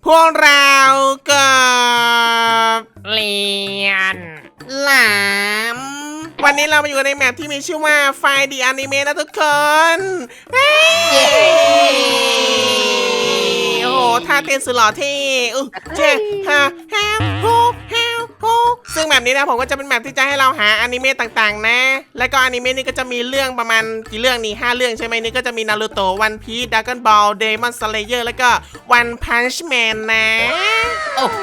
พวกเรากับเรียนหลามวันนี้เรามาอยู่ในแมปที่มีชื่อว่าไฟดีอนิเมะนะทุกคนเย้โอ้โหท่าเต้นสุดหล่อเท่เจ๊ฮาฮาโฮฮาโฮซึ่งแบบนี้นะผมก็จะเป็นแมปที่จะให้เราหาอนิเมะต่างๆนะ แล้วก็อนิเมะนี่ก็จะมีเรื่องประมาณกี่เรื่องนี่5 เรื่องใช่ไหมนี่ก็จะมีนารูโตะวันพีซดราก้อนบอลเดมอนสเลเยอร์แล้วก็วันพันช์แมนนะโอ้โห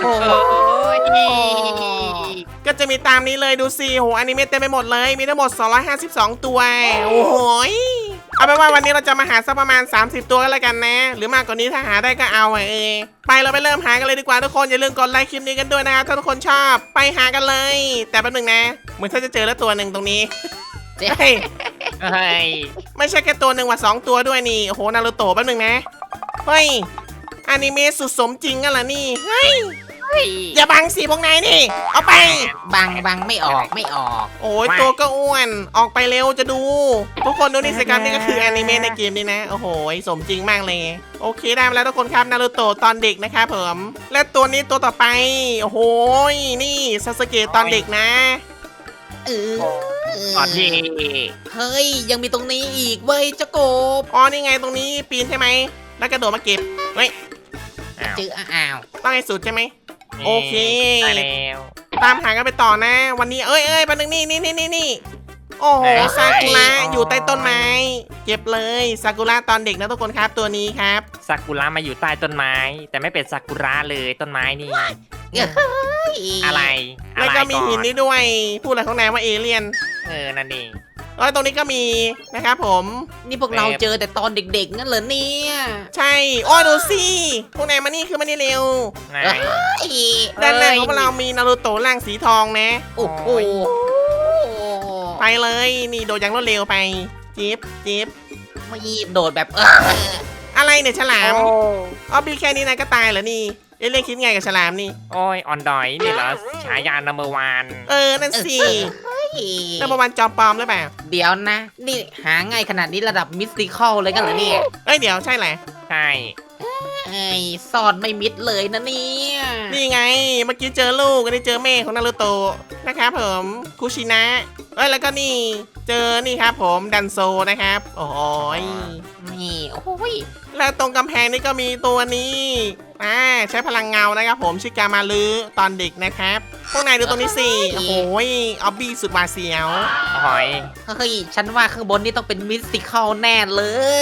ก็จะมีตามนี้เลยดูสิโหอนิเมะเต็มไปหมดเลยมีทั้งหมด252ตัวโอ้โหยเอาเป็นว่าวันนี้เราจะมาหาสักประมาณ30ตัวก็แล้วกันนะ หรือมากกว่านี้ถ้าหาได้ก็เอาไปเราไปเริ่มหากันเลยดีกว่าทุกคนอย่าลืมกดไลค์คลิปนี้กันด้วยนะครับถ้าทุกคนชอบไปหากันเลย แต่แป๊บนึงนะเหมือนถ้าจะเจอแล้วตัวหนึ่งตรงนี้เฮ้ยเฮ้ยไม่ใช่แค่ตัวหนึ่งว่ะ2 ตัวด้วยนี่โอ้โหนารูโตะแป๊บนึงนะเฮ้ยอนิเมะสุดสมจริงกันเหรอนี่เฮ้ยอย่าบังสิพวกนายนี่เอาไปบังไม่ออกไม่ออกโอ้ยตัวก็อ้วนออกไปเร็วจะดู ทุกคนดูนี่สิครับนี่ก็คือแอนิเมะในเกมนี้นะโอ้โหสมจริงมากเลยโอเคได้มาแล้วทุกคนครับนารูโตะตอนเด็กนะครับผมและตัวนี้ตัวต่อไปโอ้โหนี่ซาสึเกะตอนเด็กนะเออก่อนที่เฮ้ยยังมีตรงนี้อีกเว้ยเจ้ากบอ๋อนี่ไงตรงนี้ปีนใช่ไหมแล้วกระโดดมาเก็บเฮ้ยอ้าวเจออ้าวต้องให้สุดใช่ไหม โอเคได้แล้วตามหากันไปต่อนะ วันนี้เอ้ยแป๊บนึงนี่โอ้โหซากุระอยู่ใต้ต้นไม้เก็บเลยซากุระตอนเด็กนะทุกคนครับตัวนี้ครับซากุระมาอยู่ใต้ต้นไม้ แต่ไม่เป็นซากุระเลยต้นไม้นี่เฮ้ยอะไรแล้วก็มีอะไรหินอนนี่ด้วยพูดอะไรของนายว่าเอเลี่ยนนั่นเองตรงนี้ก็มีนะครับผมนี่พวกเราเจอแต่ตอนเด็กๆงั้นเหรอเนี่ยใช่โอ้ยดูสิพวกนายมานี่คือมานี่เร็วไหนเฮ้ยด้านหน้าของพวกเรามีนารูโตะร่างสีทองนะโอ้โหไปเลยนี่โดดอย่างรวดเร็วไปจิ๊บมายีบโดดแบบอะไรเนี่ยฉลามโอ้อ๋อบีแค่นี้นายก็ตายเหรอนี่เอเลี่ยนคิดไงกับฉลามนี่โอ้ยออนดอยนี่เหรอฉายานัมเบอร์วันนั่นสิเฮ้ยนั่นประมาณจอมปลอมหรือเปล่าเดี๋ยวนะ นี่หาง่ายขนาดนี้ระดับมิสติคอลเลยกันเหรอเนี่ยเดี๋ยวใช่แหละใช่เอ้ยซ่อนไม่มิดเลยนะเนี่ยนี่ไงเมื่อกี้เจอลูกอันนี้เจอแม่ของนารูโตะนะครับผมคุชินะแล้วก็นี่เจอนี่ครับผมดันโซนะครับโอ้ยนี่โอ้ยแล้วตรงกำแพงนี่ก็มีตัวนี้ใช้พลังเงานะครับผมชื่อกามาลือตอนเด็กนะครับพวกนายดูตรงนี้สิโอ้โหออบบี้สุดหวาดเสียวหอยเฮ้ยฉันว่าข้างบนนี่ต้องเป็นมิสติคอลแน่เลย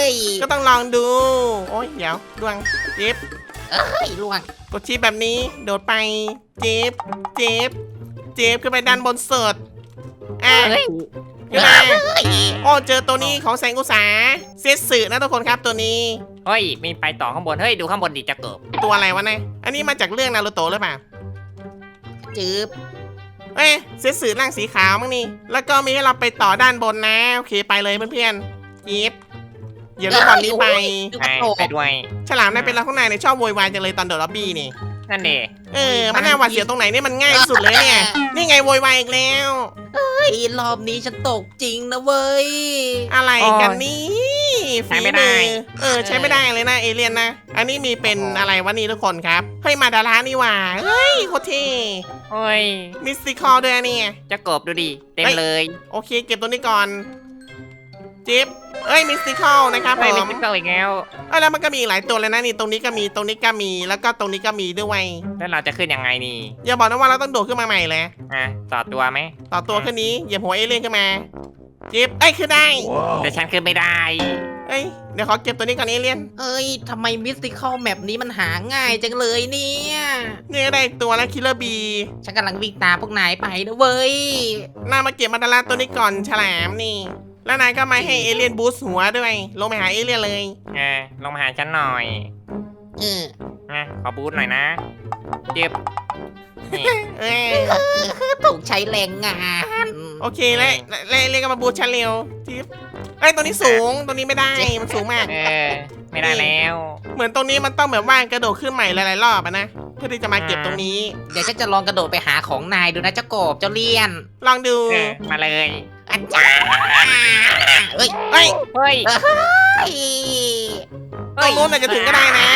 ก็ต้องลองดูโอ้ยเดี๋ยวดวงเจ็บเฮ้ยล่วงกดชีพแบบนี้โดดไปเจ็บขึ้นไปด้านบนสุดเฮ้ยขึ้นมาเฮ้ยโอ้เจอตัวนี้ของแสงอุตสาเซตสึนะทุกคนครับตัวนี้เฮ้ยมีไปต่อข้างบนเฮ้ยดูข้างบนดิจะเกิบตัวอะไรวะเนี่ยอันนี้มาจากเรื่องนารูโตะหรือเปล่าจืบเซตสึร่างสีขาวมั้งนี่แล้วก็มีให้เราไปต่อด้านบนนะโอเคไปเลยเพื่อนๆยิบเดี๋ยวลูกบอลนี้ไปดูกใช่ระโตกไปด้วยฉลามนายเป็นเราข้างในในชอบโวยวายจังเลยตอนโดดล็อบบี้นี่นั่นเองมันน่าหวาดเสียวตรงไหนเนี่ยมันง่ายที่สุดเลยเนี่ยนี่ไงโวยวายอีกแล้วเฮ้ยรอบนี้ฉันตกจริงนะเว้ยอะไรกันนี่ใช้ไม่ได้ใช้ไม่ได้เลยนะเอเลี่ยนนะ อันนี้มีเป็นอะไรวะนี่ทุกคนครับเฮ้ยมาดารานี่หว่าเฮ้ยโคตรเท่โอ้ยมิสติคอลด้วยเนี่ยจะเกิบดูดิเต็มเลยโอเคเก็บตัวนี้ก่อนจิ๊บมิสติคอลนะครับผเฮ้ยมีมติ๊กเกอร์อีกแล้วแล้วมันก็มีอีกหลายตัวเลยนะนี่ตรงนี้ก็มีตรงนี้ก็มีแล้วก็ตรงนี้ก็มีด้วยแล้วเราจะขึ้นยังไงนี่อย่าบอกนะว่าเราต้องโดดขึ้นมาใหม่เลยต่อตัวไหมต่อตัวขึ้นนี้เหยียบหัวเอเลี่ยนขึ้นมาจิ๊บขึ้นได้แต่ฉันขึ้นไม่ได้เดี๋ยวขอเก็บตัวนี้ก่อนเอเลี่ยนเอ้ยทำไมมิสติคอลแมปนี้มันหาง่ายจังเลยเนี่ยนี่ได้อีกตัวแล้วคิลเลอร์บีฉันกำลังวิ่งตามพวกนายไปนะเว้ยน่ามาเก็บมาดาราตัวนี้ก่อนฉลามนี่ แล้วนายก็มาให้เอเลี่ยนบูสต์หัวด้วย ลงไปหาเอเลี่ยนเลยลงมาหาฉันหน่อยเออขอบูทหน่อยนะเจ็บนี่เอ้ยถูกใช้แรงงานโอเคแล้วเอเลี่ยนก็มาบูสต์ฉันเร็วจิ๊บตัวนี้สูงตัวนี้ไม่ได้มันสูงมากไม่ได้แล้วเหมือนตรงนี้มันต้องแบบว่ากระโดดขึ้นใหม่หลายๆรอบอะนะเพื่อที่จะมาเก็บตรงนี้เดี๋ยวฉันจะลองกระโดดไปหาของนายดูนะเจ้ากบเจ้าเลี่ยนลองดูมาเลยอันจ้าเฮ้ยเฮ้ยเฮ้ยเฮ้ยตรงนู้นอาจจะถึงก็ได้นะ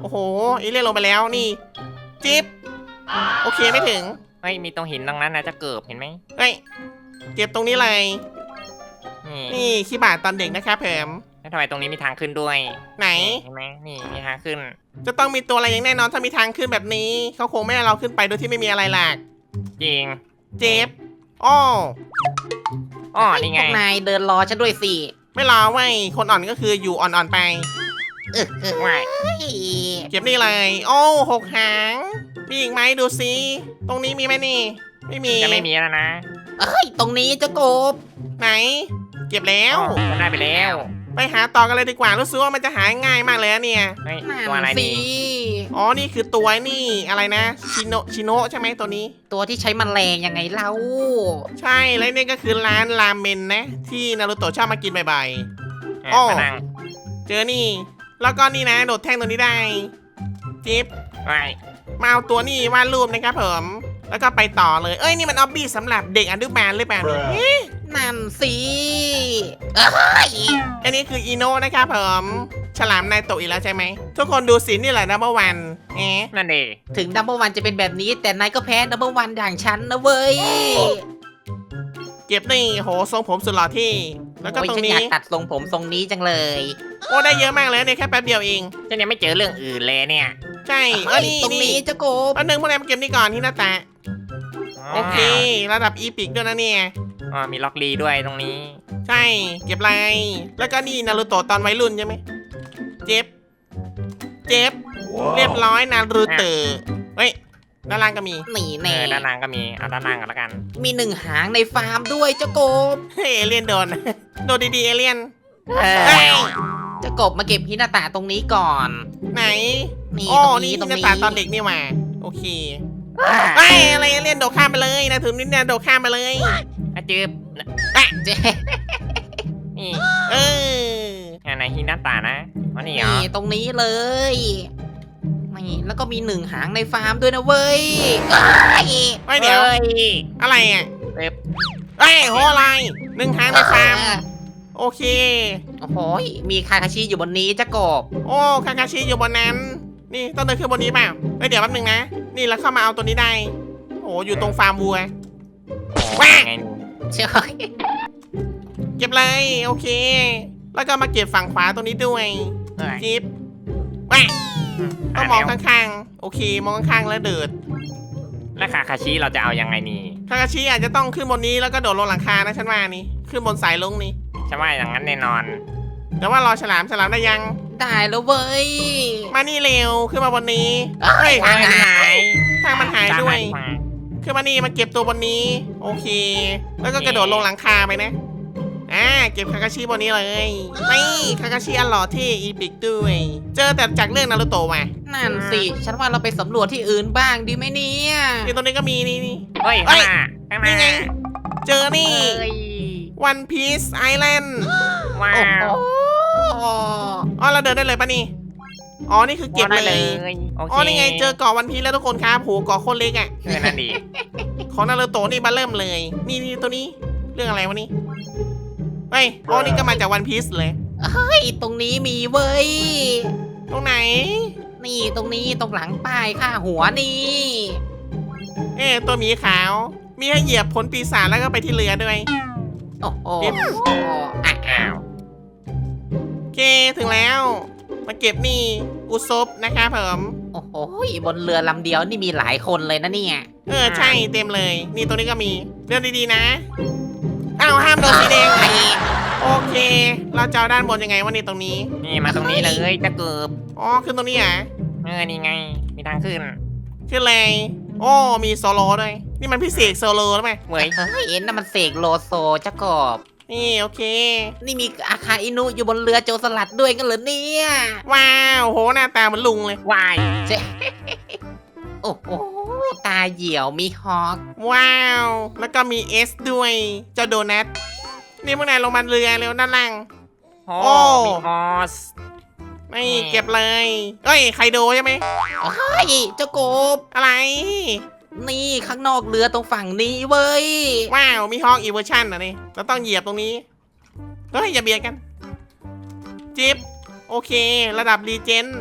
โอ้โหอีเลียนลงไปแล้วนี่จิ๊บโอเคไม่ถึงเฮ้ยมีตรงหินตรงนั้นนะจะเกิบเห็นไหมเฮ้ยเก็บตรงนี้เลยนี่นี่ขี้บาทตอนเด็กนะครับเพิ่มแล้วทำไมตรงนี้มีทางขึ้นด้วยไหนเห็นไหมนี่มีทางขึ้นจะต้องมีตัวอะไรอย่างแน่นอนถ้ามีทางขึ้นแบบนี้เขาคงไม่ให้เราขึ้นไปโดยที่ไม่มีอะไรหลักจริงเจ็บอ้ออ๋อนี่ไงพวกนายเดินรอฉันด้วยสิไม่รอไว้ยคนอ่อนก็คืออยู่อ่อนๆไปว่ายเก็บนี่เลยโอ้6 หางมีอีกไหมดูซิตรงนี้มีไหมนี่ ไม่มีจะไม่มีแล้วนะเอ้ยตรงนี้เจ้ากบไหน เก็บแล้วอ๋อจะได้ไปแล้วไปหาต่อกันเลยดีกว่ารู้สึกว่ามันจะหาง่ายมากเลยนะเนี่ยเฮ้ยนั่ตัวอะไรนสินี่อ๋อนี่คือตัวนี่อะไรนะชิโนะใช่ไหมตัวนี้ตัวที่ใช้แมลงยังไงเล่าใช่แล้วนี่ก็คือร้านราเมนนะ ที่นารูโตะชอบมากินบ่อยอ่ะอ๋อมานั่งๆเจอนี่ แล้วก็นี่นะโดดแท่งตัวนี้ได้จิ๊บว่ายมาเอาตัวนี่วาดรูปนะครับผมแล้วก็ไปต่อเลยเอ้ยนี่มันออบบี้สำหรับเด็กอนุบาลหรือเปล่าเนี่ยเอ๊ะนั่นสิเอ้ยอันนี้คืออีโนะนะครับผมฉลามนายโตะอีกแล้วใช่ไหมทุกคนดูสินี่แหละนัมเบอร์วันเอ๊ะนั่นเองถึงนัมเบอร์วันจะเป็นแบบนี้ แต่นายก็แพ้นัมเบอร์วันอย่างฉันนะเว้ยเก็บนี่โหทรงผมสุดหล่อที่ แล้วก็โอ้ยตรฉังนอยานี้กตัดทรงผมทรงนี้จังเลยโอ้ได้เยอะมากเลยเนี่ยแค่แป๊บเดียวเองฉันยังไม่เจอเรื่องอื่นเลยเนี่ยใช่เอ้ยนี่ตรงนี่นี้เจ้ากบอันหนึ่งพวกนายมาเก็บนี่ก่อนที่หน้าตาโอเค ระดับอีพิกด้วยนะเนี่ยอ๋อมีล็อกลีด้วยตรงนี้ใช่เก็บลายแล้วก็นี่นารูโตะตอนวัยรุ่นใช่ไหมเจ็บเจ็บเรียบร้อยนารูโตะเฮ้ยด้านล่างก็มีหนีเอแน่อด้านล่างก็มีเอาด้านล่างกันแล้วกันมีหนึ่งหางในฟาร์มด้วยเจ้ากบเฮ้ยเอเลี่ยนโดน โดนดีๆเอเลี่ยนเอเฮ้ยอเจ้ากบมาเก็บฮินาตะตรงนี้ก่อนไหนนี่อ๋อตรงนี่นี้ตรงหน้านี้ตาตอนเด็กนี่หว่าโอเคไอ้ยอะไรเอเลี่ยนโดดข้ามไปเลยนะถึงนี่เนี่ยโดดข้ามไปเลยอาจืบเจ๊นี่เอออันไหนฮินาตานะอ๋อนี่เหรอนี่ตรงนี้เลยนี่แล้วก็มีหนึ่งหางในฟาร์มด้วยนะเว้ยเอ้ยไอ้ยเดี๋ยวฮ้อะไรอ่ะเว็บเอ้ยโหอะไรหนึ่งหางในฟาร์มโอเคโอ้โหมีคาคาชิอยู่บนนี้เจ้ากบโอ้คาคาชิอยู่บนนั้น นี่ต้องเดินขึ้นบนนี้เปล่าเอ้ยเดี๋ยวแป๊บนึงนะ นี่แล้วเข้ามาเอาตัวนี้ได้ โอ้อยู่ตรงฟาร์มวัวแหวไงนี่ใช่เก็บเลยโอเค แล้วก็มาเก็บฝั่งขวาตรงนี้ด้วยเอ้ยจิ๊บแหวะต้องมองข้างๆ โอเค มองข้างๆแล้วเดิดแล้วคาคาชิเราจะเอายังไงนี่คาคาชิอาจจะต้องขึ้นบนนี้แล้วก็โดดลงหลังคานะฉันว่านี่ ขึ้นบนสายลงนี่ฉันว่าอย่างนั้นแน่นอนแต่ว่ารอฉลามได้ยังได้แล้วเว้ยมานี่เร็ว ขึ้นมาบนนี้เอ้เฮ้ยยทางหายทางมันหายด้วยจานไหนมาขึ้นมานี่มาเก็บตัวบนนี้ โอเค แล้วก็กระโดดลงหลังคาไปนะ เก็บคาคาชิบนนี้เลยนี่คาคาชิอันหล่อที่อีพิกด้วย เจอแต่จากเรื่องนารูโตะมานั่นสิ ฉันว่าเราไปสำรวจที่อื่นบ้างดีไหมเนี่ยนี่ตรงนี้ก็มีนี่เฮ้ยเอ้ข้างหน้าข้างหน้านี่ไง เจอนี่เอ้ย One Piece Island ว้าโอ้วโหอ๋อเราเดินได้เลยปะนี่ อ๋อ นี่คือเก็บได้เลยโอเคอ๋อ นี่ไงเจอเกาะวันพีแล้วทุกคนครับโหเกาะโคตรเล็กอ่ะเออนั่นดีของนารูโตะนี่มาเริ่มเลย นี่ตัวนี้ เรื่องอะไรวะนี่ เฮ้ย อ๋อ นี่ก็มาจากวันพีซเลยเฮ้ยตรงนี้มีเว้ยตรงไหนนี่ตรงนี้ตรงหลังป้ายค่าหัวนี่ตัวหมีขาว มีให้เหยียบผลปีศาจแล้วก็ไปที่เรือด้วยโอ้โหเก็บอ่ะอ้าวโอเค ถึงแล้ว มาเก็บนี่ อุซบนะครับผมโอ้โหบนเรือลำเดียวนี่มีหลายคนเลยนะเนี่ยใช่เต็มเลย นี่ตัวนี้ก็มีเดินดีๆนะ อ้าวห้ามโดนสีแดงโอเค เราจะเอาด้านบนยังไงวะนี่ตรงนี้นี่มาตรงนี้เลยจะเกือบอ๋อ ขึ้นตรงนี้อ่ะนี่ไง มีทางขึ้นขึ้นเลยโอ้ มีโซโลด้วย นี่มันพิเศษโซโลหรือไงเว้ยเฮ้ยนั่นมันเสกโลโซเจ้ากบนี่โอเคนี่มีอาคาอินุอยู่บนเรือโจรสลัดด้วยกันเหรอเนี่ยว้าวโหหน้าตาเหมือนลุงเลยวายเจ๊โอ้โหตาเหี่ยวมีฮอกว้าว แล้วก็มีเอสด้วย เจ้าโดนัท นี่พวกนายลงมาเรือเร็วด้านล่างโอ้โอ้มีฮอสนี่เก็บเลย เอ้ยไคโดใช่ไหมเฮ้ยเจ้ากบอะไรนี่ข้างนอกเรือตรงฝั่งนี้เว้ยว้าว มีฮอกอีเวอร์ชันอ่ะนี่เราต้องเหยียบตรงนี้เฮ้ยอย่าเบียดกัน จิ๊บ โอเค ระดับรีเจน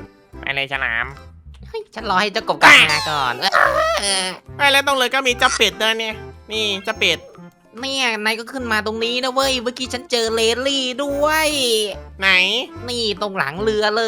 ไปเลยฉลามเฮ้ยฉันรอให้เจ้ากบกลับมาก่อนไอ้แล้วตรงเลยก็มีเจ้าเป็ดด้วยเนี่ยนี่เจ้าเป็ดเนี่ยนายก็ขึ้นมาตรงนี้นะเว้ยเมื่อกี้ฉันเจอเลลี่ด้วยไหนนี่ตรงหลังเรือเลย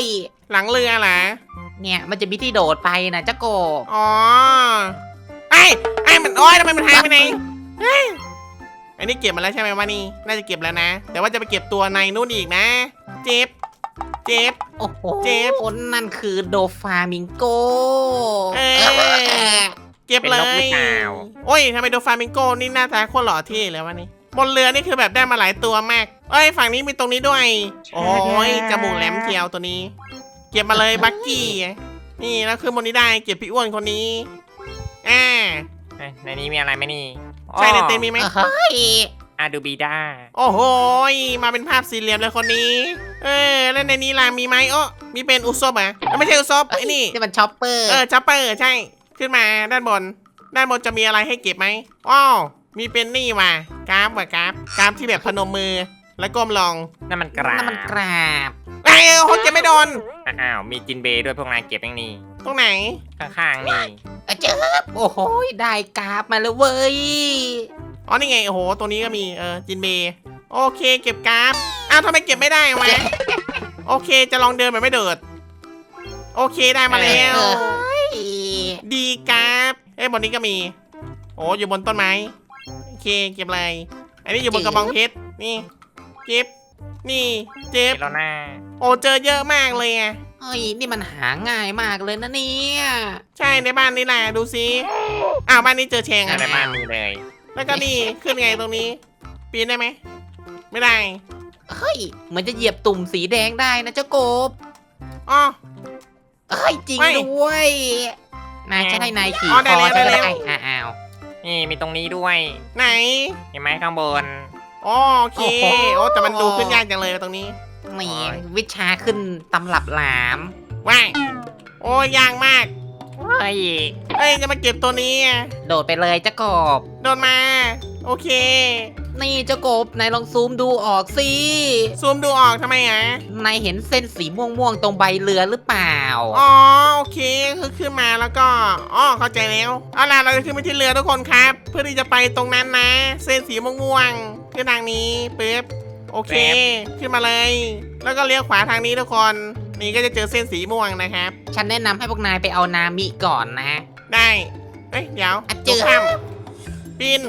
หลังเรือเหรอเนี่ยมันจะมีที่โดดไปนะเจ้ากบอ๋อไอ้มันโอ้ยทำไมมันหายไปไหนเฮ้ยอันนี้เก็บมาแล้วใช่ไหมวะนี่น่าจะเก็บแล้วนะ แต่ว่าจะไปเก็บตัวในนู่นอีกนะ เจ็บโอ้โหเจ็บนั่นคือโดฟามิงโกเอ้ย เก็บเลย โอ้ยทำไมโดฟามิงโกนี่หน้าตาโคตรหล่อเท่เลยวะนี่บนเรือนี่คือแบบได้มาหลายตัวมากเอ้ยฝั่งนี้มีตรงนี้ด้วย โอ้ยจมูกแหลมเทียวตัวนี้ เก็บมาเลยบักกี้นี่แล้วคือบนนี้ได้เก็บพี่อ้วนคนนี้อ่าในนี้มีอะไรไหมนี่ใช่ในเต็นท์มีไหมเฮ้ยอาดูบีด้าโอ้โหมาเป็นภาพสี่เหลี่ยมเลยคนนี้ แล้วในนี้ล่ะมีไหมโอ้มีเป็นอุซบอ่ะไม่ใช่อุซบไอ้นี่นี่มันช็อปเปอร์จัปเปอร์ใช่ ขึ้นมาด้านบน ด้านบนจะมีอะไรให้เก็บไหมอ้าวมีเป็นนี่ว่ะกราฟกราฟที่แบบพนมมือ แล้วก้มลงนั่นมันกรานั่นมันกราบไอ้โหเก็บไม่โดนอ้าวมีจินเบย์ด้วยพวกนายเก็บอย่างนี้ตรงไหนข้างๆนี่เจอโอ้โหได้กราบมาแล้วเว้ยอ๋อนี่ไงโอ้โหตัวนี้ก็มีจินเบย์โอเคเก็บกราฟอ้าวทำไมเก็บไม่ได้วะโอเคจะลองเดินแบบไม่เดิดโอเคได้มาแล้ว ดีครับบนนี้ก็มี โอ้อยู่บนต้นไม้โอเคเก็บเลยอันนี้อยู่บนกระบองเพชรนี่เก็บนี่เจ็บเจโรน่าโอ้เจอเยอะมากเลยอ่ะเฮ้ยนี่มันหาง่ายมากเลยนะเนี่ยใช่ในบ้านนี่แหละดูสิอ้าวบ้านนี้เจอแชงในบ้านมีเลยแล้วก็นี่ขึ้นไงตรงนี้ ปีนได้ไหมไม่ได้เฮ้ยเหมือนจะเหยียบตุ่มสีแดงได้นะเจ้ากบอ๋อเฮ้ยจริงไม่ด้วยนายจะให้นายขี่อ๋อคอได้ใช่แล้วไหมอ้าวนี่มีตรงนี้ด้วยไหนเห็นไหมข้างบนอ๋อโอเคโอ้แต่มันดูขึ้นยากจังเลยตรงนี้นี่วิชาขึ้นตำรับหลามว้ายโอ้ยากมากเฮ้ยจะมาเก็บตัวนี้อะโดดไปเลยเจ้ากบโดนมา โอเคนี่เจ้ากบนายลองซูมดูออกสิซูมดูออกทำไมอ่ะนายเห็นเส้นสีม่วงๆตรงใบเรือหรือเปล่าอ๋อโอเคคือขึ้นมาแล้วก็เข้าใจแล้วเอาล่ะเราจะขึ้นไปที่เรือทุกคนครับ เพื่อที่จะไปตรงนั้นนะ เส้นสีม่วงๆขึ้นทางนี้ปึ๊บโอเค ขึ้นมาเลย แล้วก็เลี้ยวขวาทางนี้ทุกคน นี่ก็จะเจอเส้นสีม่วงนะครับฉันแนะนำให้พวกนายไปเอานามิก่อนนะได้เดี๋ยวอ่ะเจอข้ามปีน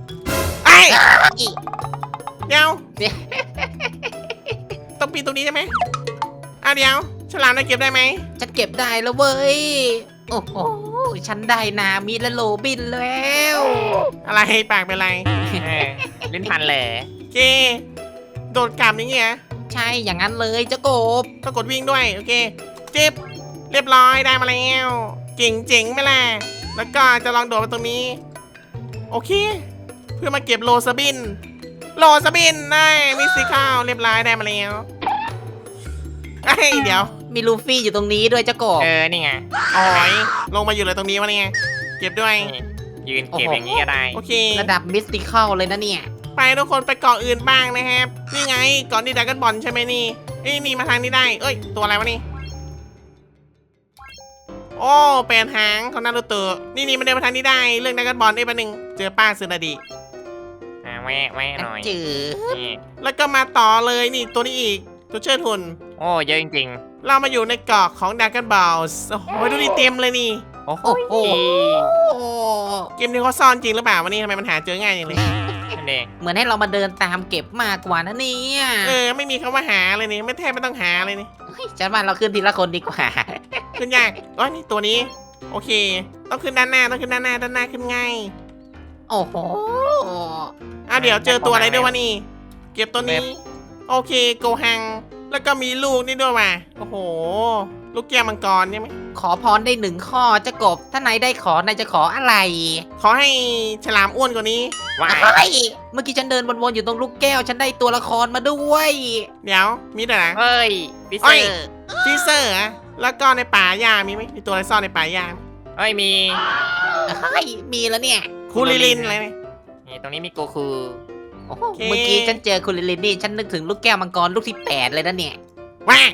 เดี๋ยวต้องปีนตรงนี้ใช่ไหมเดี๋ยวฉลามได้เก็บได้ไหมฉันเก็บได้แล้วเว้ย โอ้โห ฉันได้นามิและโรบินแล้วอะไรปากเป็นไรลิ้นพันเลยเจโดดกลับอย่างเงี้ยใช่อย่างนั้นเลยเจ้ากบต้องกดวิ่งด้วย โอเคจิ๊บเรียบร้อยได้มาแล้วเก่งเจ๋งไหมล่ะแล้วก็จะลองโดดไปตรงนี้ โอเค เพื่อมาเก็บโลสบินได้มิสซิข้าวเรียบร้อยได้มาแล้วเดี๋ยวมีลูฟี่อยู่ตรงนี้ด้วยเจ้ากบนี่ไงอ๋อยลงมาอยู่เลยตรงนี้วะเนี่ยเก็บด้วยนี่ยืนเก็บอย่างนี้ก็ได้โอเคระดับมิสติคอลเลยนะเนี่ยไปทุกคนไปเกาะอื่นบ้างนะครับนี่ไงเกาะนี่ดราก้อนบอลใช่ไหมนี่นี่มาทางนี้ได้เอ้ยตัวอะไรวะนี่โอ้เป็นหางของนารูโตะนี่มันเดินมาทางนี้ได้เรื่องดราก้อนบอลได้ปะหนึ่งเจอป้าซึนาดิแวะหน่อยจืดนี่แล้วก็มาต่อเลยนี่ตัวนี้อีกตัวเชิดหุ่นโอ้เยอะจริงเรามาอยู่ในเกาะของดราก้อนบอลโอ้โหดูดิเต็มเลยนี่ๆ โอ้โหโอ้โหเกมนี้เขาซ่อนจริงหรือเปล่าวะนี่ทำไมมันหาเจอง่ายอย่างเลยนั่นเองเหมือนให้เรามาเดินตามเก็บมากกว่านะเนี่ยไม่มีคำว่าหาเลยนี่ไม่แทบไม่ต้องหาเลยนี่เฮ้ยฉันว่าเราขึ้นทีละคนดีกว่าขึ้นยากนี่ตัวนี้ โอเค ต้องขึ้นด้านหน้าด้านหน้าขึ้นง่ายโอ้โหเดี๋ยวเจอตัวอะไรด้วยวะนี่ เก็บตัวนี้ โอเคโกหัง แล้วก็มีลูกนี่ด้วยว่ะโอ้โห ลูกแก้วมังกรใช่ไหมขอพรได้1 ข้อเจ้ากบ ถ้านายได้นายจะขออะไรขอให้ฉลามอ้วนกว่านี้ว้ายเฮ้ยเมื่อกี้ฉันเดินวนๆอยู่ตรงลูกแก้ว ฉันได้ตัวละครมาด้วยเดี๋ยวมีด้วยนะเฮ้ยพิเศเอ้ยษฟีเซอร์อะแล้วก็ในป่าหญ้ามีไหมมีตัวอะไรซ่อนในป่าหญ้าเฮ้ยมีเฮ้ยมีแล้วเนี่ยคูลิลินอะไรเนี่ยนี่ตรงนี้มีโกคูโอ้โหโอเคเมื่อกี้ฉันเจอคุณลิลลินนี่ฉันนึกถึงลูกแก้วมังกรลูกที่ 8 เลยนะเนี่ยว้า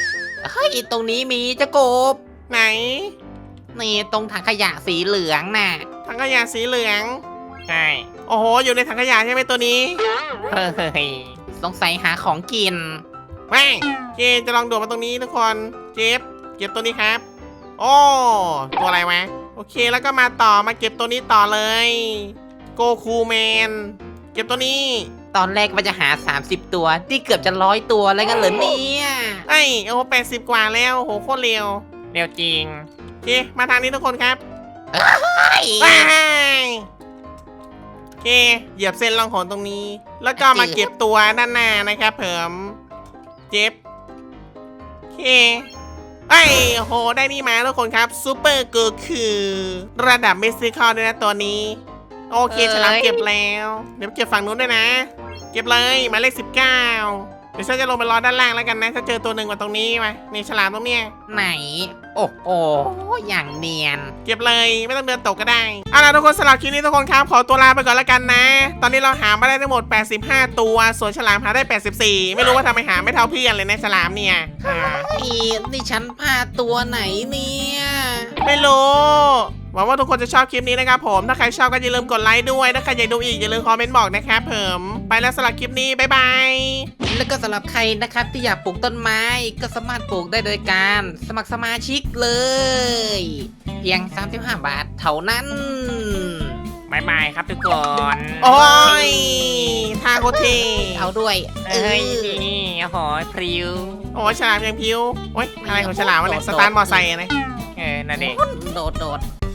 เฮ้ยตรงนี้มีเจ้ากบไหนนี่ตรงถังขยะสีเหลืองน่ะถังขยะสีเหลืองใช่โอ้โห อยู่ในถังขยะใช่ไหมตัวนี้เฮ้ยสงสัยหาของกินไม่เจจะลองโดดมาตรงนี้ทุกคน เจ็บเก็บตัวนี้ครับ โอ้ตัวอะไรวะ โอเคแล้วก็มาต่อมาเก็บตัวนี้ต่อเลย โกคูแมน เก็บตัวนี้ตอนแรกว่าจะหา 30 ตัวที่เกือบจะ100 ตัวแล้วกันเหรอเนี่ยไอ้ยโอ้โห80 กว่าแล้วโอ้โหโคตรเร็วเร็วจริงโอเค มาทางนี้ทุกคนครับเฮ้ยว้ายโอเค เหยียบเส้นรองหนตรงนี้ แล้วก็มาเก็บตัวด้านหน้านะครับเผิมเจ็บโอเคไอ้ยโอ้โห ได้นี่มาทุกคนครับซูเปอร์เกิร์ลคือระดับเมสซิคอลด้วยนะตัวนี้ โอเคฉลามเก็บแล้ว เดี๋ยวเก็บฝั่งนู้นด้วยนะ เก็บเลยหมายเลข19 เดี๋ยวฉันจะลงไปรอด้านล่างแล้วกันนะถ้าเจอตัวหนึ่งมาตรงนี้มานี่ฉลามตรงเนี้ยไหน โอ้โหอย่างเนียนเก็บเลยไม่ต้องเดินตกก็ได้เอาล่ะทุกคนสำหรับคลิปนี้ทุกคนครับขอตัวลาไปก่อนแล้วกันนะ ตอนนี้เราหามาได้ทั้งหมด85 ตัวส่วนฉลามหาได้84ไม่รู้ว่าทำไมหาไม่เท่าเพื่อนเลยนะฉลามเนี่ยนี่ฉันพลาดตัวไหนเนี่ยไม่รู้หวังว่าทุกคนจะชอบคลิปนี้นะครับผมถ้าใครชอบก็อย่าลืมกดไลค์ด้วยถ้าใครอยากดูอีกอย่าลืมคอมเมนต์บอกนะครับผมไปแล้วสำหรับคลิปนี้บ๊ายบายแล้วก็สำหรับใครนะครับที่อยากปลูกต้นไม้ก็สามารถปลูกได้โดยการสมัครสมาชิกเลย เพียง 35 บาทเท่านั้นบายบายครับทุกคนโอ้ยทาโคเทเอาด้วยเอ้ยนี่โอ้โหพริ้วโอ้ยฉลามยังพิวโอ้ยอะไรของฉลามวะเนี่ยสตาร์ทมอไซค์อะนะนั่นเองโดด